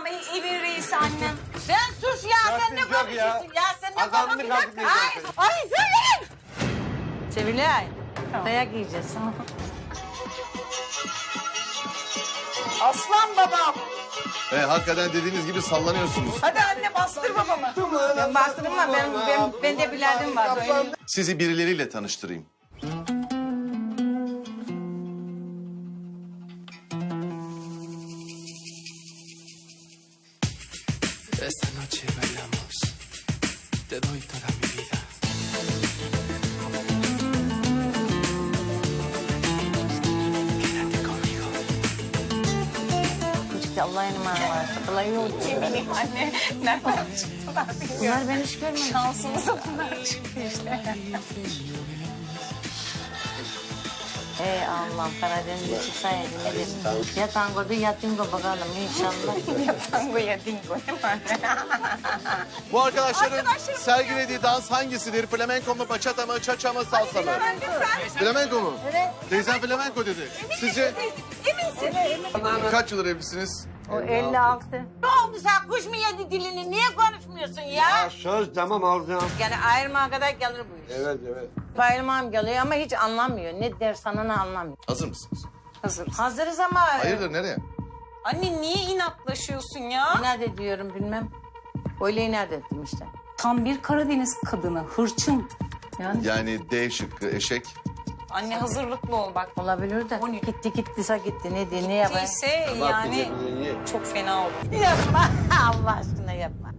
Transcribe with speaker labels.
Speaker 1: evin reisi annem.
Speaker 2: Sen sus ya, sen ne
Speaker 3: Yok ya.
Speaker 2: konuşuyorsun ya? Sen ne
Speaker 3: Azarını
Speaker 2: konuşuyorsun?
Speaker 3: kalkmayacaksın.
Speaker 2: Ay söyleyin. Sevilay, dayak yiyeceğiz.
Speaker 1: Aslan babam.
Speaker 4: Hakikaten dediğiniz gibi sallanıyorsunuz.
Speaker 1: Hadi anne bastır babamı.
Speaker 2: Ben bastırma, ben de biladım var. Söyleyeyim.
Speaker 4: Sizi birileriyle tanıştırayım.
Speaker 5: Esta noche bailamos, te doy toda mi vida. Quédate conmigo.
Speaker 2: Küçükte Allah'ın emanet varsa kolay yok.
Speaker 1: Bileyim anne. Nereden çıktılar bilmiyorum.
Speaker 2: Bunlar ben hiç görmedim.
Speaker 1: Şansımıza bunlar çıktı işte.
Speaker 2: Ey Allah'ım, Karadeniz'e çıksaydı ne dedim. Ya tangodu ya dingo bakalım inşallah.
Speaker 1: Ya tango ya dingo değil mi anne?
Speaker 4: Bu arkadaşların sergilediği dans hangisidir? Flamenco mu, bachata mı, cha-cha mı, salsa mı? Flamenco mu? Evet. Teyzem flamenco dedi. Sizce
Speaker 1: Eminsin.
Speaker 4: kaç yıldır evlisiniz?
Speaker 2: O 56.
Speaker 6: Ne oldu sen kuş mu yedi dilini? Niye konuşmuyorsun ya?
Speaker 3: Ya söz tamam alacağım.
Speaker 2: Yani ayrılmaya kadar gelir bu iş.
Speaker 3: Evet evet.
Speaker 2: Ayrılmam geliyor ama hiç anlamıyor. Ne der sana ne anlamıyor.
Speaker 4: Hazır mısınız?
Speaker 1: Hazırız.
Speaker 2: Hazırız ama...
Speaker 4: Hayırdır, nereye?
Speaker 1: Anne niye inatlaşıyorsun ya?
Speaker 2: İnat ediyorum bilmem. Öyle inat ettim işte.
Speaker 1: Tam bir Karadeniz kadını, hırçın.
Speaker 4: Yani D şıkkı, eşek.
Speaker 1: Anne hazırlıklı ol bak.
Speaker 2: Olabilir de. Gittiyse gitti. Ne yapayım?
Speaker 1: Değilse yani
Speaker 3: Bak,
Speaker 1: çok fena olur.
Speaker 2: Yapma. Allah aşkına yapma.